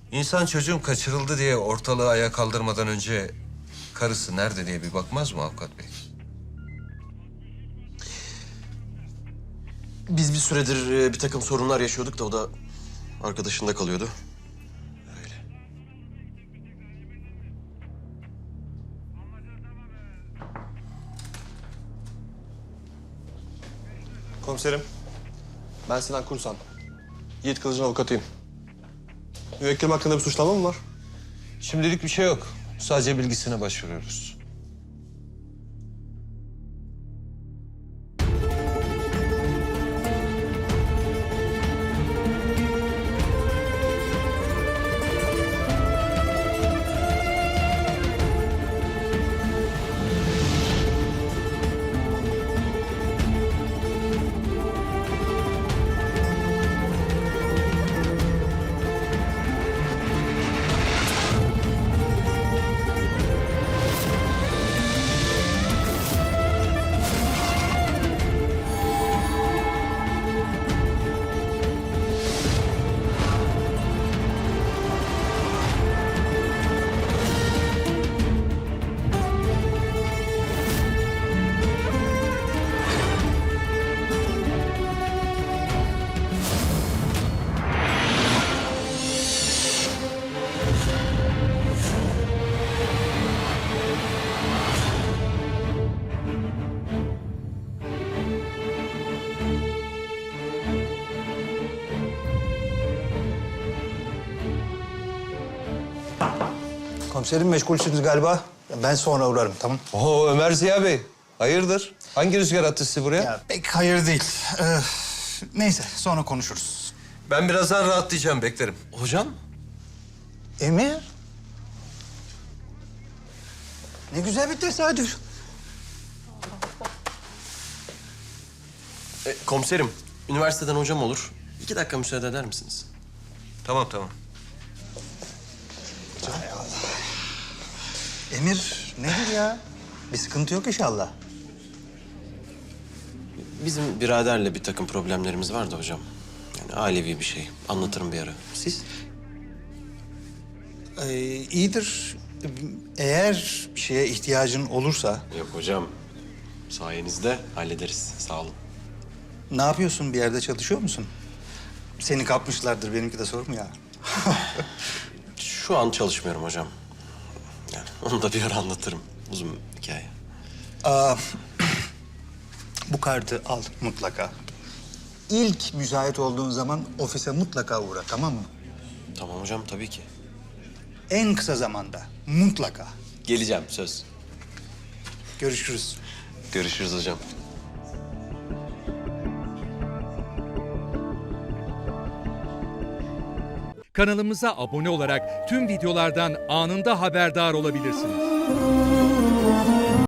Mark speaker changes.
Speaker 1: İnsan çocuğum kaçırıldı diye ortalığı ayağa kaldırmadan önce karısı nerede diye bir bakmaz mı avukat bey?
Speaker 2: Biz bir süredir bir takım sorunlar yaşıyorduk da o da arkadaşında kalıyordu. Öyle.
Speaker 3: Komiserim, ben Sinan Kursan. Yiğit Kılıç'ın avukatıyım. Müvekkilim hakkında bir suçlama mı var?
Speaker 1: Şimdilik bir şey yok. Sadece bilgisine başvuruyoruz.
Speaker 4: Komiserim meşgulsünüz galiba. Ben sonra uğrarım, tamam?
Speaker 1: Oo Ömer Ziya Bey. Hayırdır? Hangi rüzgar attı sizi buraya?
Speaker 4: Ya pek hayır değil. Neyse sonra konuşuruz.
Speaker 1: Ben birazdan rahatlayacağım, beklerim.
Speaker 2: Hocam?
Speaker 4: Emir? Ne güzel bir tesadüf.
Speaker 2: Komiserim, üniversiteden hocam olur. 2 dakika müsaade eder misiniz?
Speaker 1: Tamam, tamam.
Speaker 4: Emir nedir ya? Bir sıkıntı yok inşallah.
Speaker 2: Bizim biraderle bir takım problemlerimiz vardı hocam. Yani ailevi bir şey. Anlatırım bir ara. Siz?
Speaker 4: İyidir. Eğer bir şeye ihtiyacın olursa...
Speaker 2: Yok hocam. Sayenizde hallederiz. Sağ olun.
Speaker 4: Ne yapıyorsun? Bir yerde çalışıyor musun? Seni kapmışlardır. Benimki de sorun ya.
Speaker 2: Şu an çalışmıyorum hocam. Yani onu da bir ara anlatırım. Uzun hikaye.
Speaker 4: Bu kartı al mutlaka. İlk müsait olduğun zaman ofise mutlaka uğra, tamam mı?
Speaker 2: Tamam hocam, tabii ki.
Speaker 4: En kısa zamanda. Mutlaka.
Speaker 2: Geleceğim, söz.
Speaker 4: Görüşürüz.
Speaker 2: Görüşürüz hocam.
Speaker 5: Kanalımıza abone olarak tüm videolardan anında haberdar olabilirsiniz.